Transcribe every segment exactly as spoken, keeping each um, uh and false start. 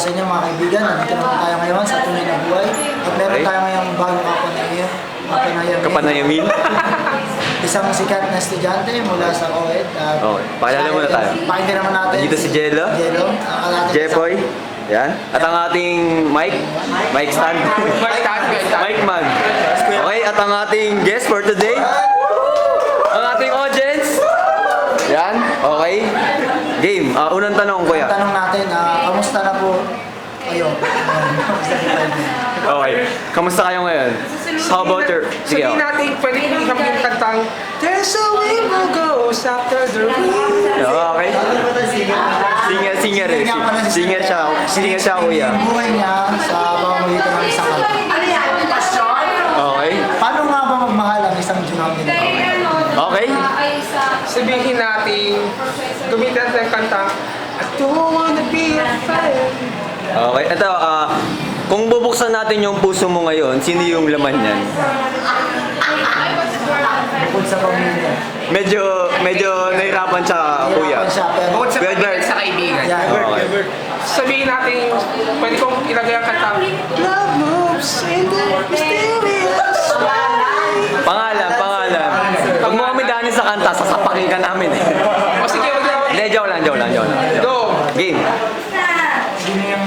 sa inyo mga kaibigan. Nandito naman tayo ngayon sa Tunay na Buhay. At meron Okay. tayo ngayong bagong kapanayan. Kapanayamin. Kapanayamin? Isang sikat na estudyante mula sa O E D. At Okay, pakilala muna tayo. Pakinggan naman natin. Nandito si Jello. Jello. ang ating Jepoy. Yan. At ang ating Mike. Mike Stan. Mike Man. Okay, at ang ating guest for today. Ang ating audience. Yan. Okay. Game. Uh, unang tanong, kuya. Ang tanong natin, ah, kamusta na po kayo? Okay. Kamusta kayo ngayon? How about your... Sige, Sabihin oh. natin, pwede hindi kami yung kantang There's a way we'll go after the rain. Okay. Singer, singer eh. Singer siya. Singer siya, kuya. Ang buhay niya sa pamamagitan ng isang kanta. Okay. Paano nga ba magmahal ang isang Junamdi na tao? Okay. Sabihin natin, gamitin natin ang kantang I don't wanna be a friend. Okay. Ito, ah... kung bubuksan natin yung puso mo ngayon, sino yung laman niyan? Bukod sa pamilya. Medyo, medyo nahirapan siya, kuya. Nahirapan siya, pero... Bukod sa Well, pagkakas Bert. sa kaibigan. Yeah. Okay. Sabihin natin, pwede kong ilagay ang kantang Love moves in the mysterious way. Pangalan, pangalan. Pag mo kami daanin sa kanta, sasapakin ka namin eh. O sige, wag na. Hindi, joke lang, joke lang, joke lang. Go! Game. Sino yung...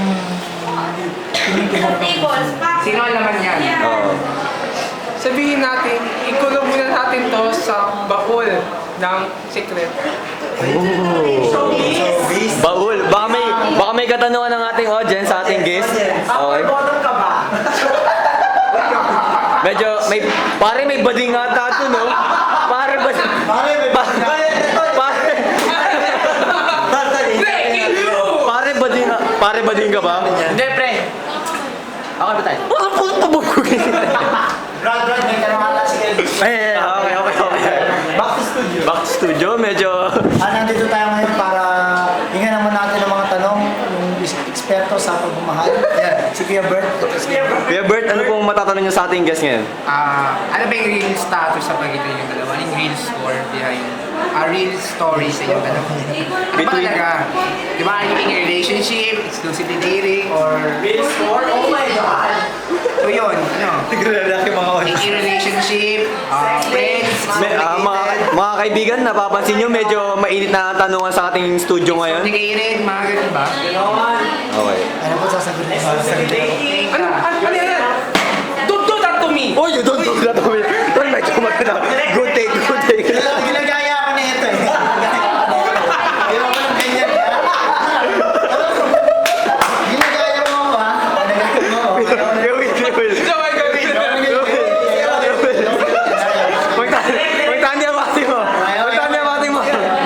Sino ang laman yan? Oo. Sabihin natin, ikulong muna natin to sa baul ng secret. Baul. Baka may, baka may katanungan ng ating audience, sa ating guest. Okay. Medyo, may, pare may bading ata ito, no? Pare bading. Pare, may Pa- Pare. Pare bading, pare bading ka ba? Hindi, pre. Okay ba tayo? Ano po ito mo? Brad, Brad, may tanong ata si Kelvin. Eh, okay, okay, okay. Back to studio. Back to studio, medyo... Ah, nandito tayo ngayon para hingan naman natin ng mga tanong yung eksperto sa pagmamahal. Yan, si Kuya Bert. Ito si Kuya Bert. Kuya Bert, ano pong matatanong niyo sa ating guest ngayon? Ah, ano ba yung real status sa pagitan yung dalawa? Ano yung real score behind a real story sa inyong dalawa? Ano ba Between- talaga? Di ba, are you in a relationship, exclusively dating, or real score? Oh my God! So yun, ano? Tigre-lalaki mga In a relationship, uh, friends, Me, ah, mga, mga kaibigan, napapansin nyo, medyo mainit na ang tanungan sa ating studio ngayon. complicated, mga ganun ba? Okay. Ano po sasagutin? Sasagutin. Ano, ano, ano yan? Don't do that to me! Oh, you don't do that to me. Tol, medyo maganda. Good take, good take. Ginagaya ako na ito eh. Ginawa ko ng ganyan. Ginagaya mo ako ha. Ginagaya mo ako. Gawin, gawin. Sabay gawin! Magtandi ang bati mo. Magtandi ang bati mo.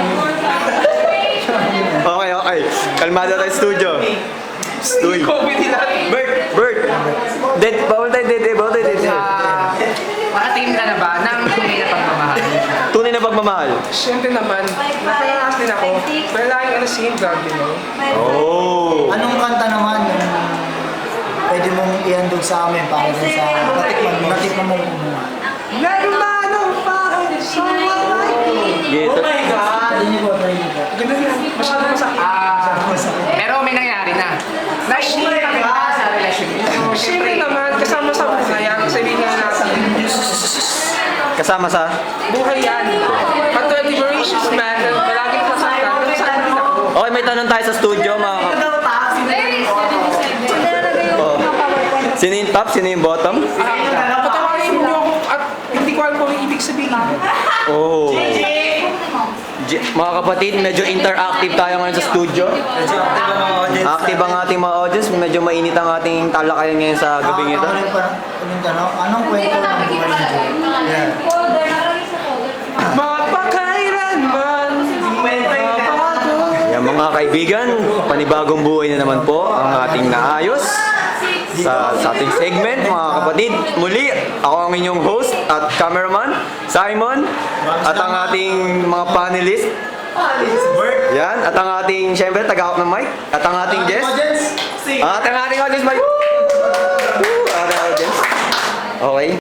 Okay, okay. Kalmado tayo studio. Stuy. COVID din natin. Bert, Bert. Dead, bawal tayo dead, bawal tayo dead. Ah, makatingin ka na ba ng tunay na pagmamahal? Tunay na pagmamahal. Siyempre naman, nakalakas din ako. Pero laging ano si Hindra, you know? Oh. Anong kanta naman yung pwede mong ihandog sa amin para dun sa natikman mo? Natikman mo kumuha. Never mind, I'm fine, someone like me. Gito. Hindi niyo po, try niyo po. Ganun yan, masyado masakit. Ah, pero may nangyari na. Nag-share ka ba sa relasyon niyo? Siyempre naman, kasama sa buhay yan, sabihin nga natin, Kasama sa? buhay yan. Katulad ni Mauritius, man, na palaging sasaktan, nasaktan din ako. Okay, may tanong tayo sa studio, mga kap... Oh. Sino yung top? Sino yung bottom? Ah, patawarin niyo ako at hindi ko alam kung ang ibig sabihin. Oh. J- mga kapatid, medyo interactive tayo ngayon sa studio. Active ang ating mga audience. Medyo mainit ang ating talakayan ngayon sa gabing ito. Ako rin pa yung tanong, anong kwento ng buhay niyo? Yan. Mapakailanman, mabago. Yan mga kaibigan, panibagong buhay na naman po ang ating naayos sa, sa ating segment, mga kapatid. Muli, ako ang inyong host at cameraman, Simon, at ang ating mga panelist. Yan, at ang ating, syempre, taga-out ng mic, at ang ating guest. At ang ating audience, mic. Woo! Ating audience. Okay.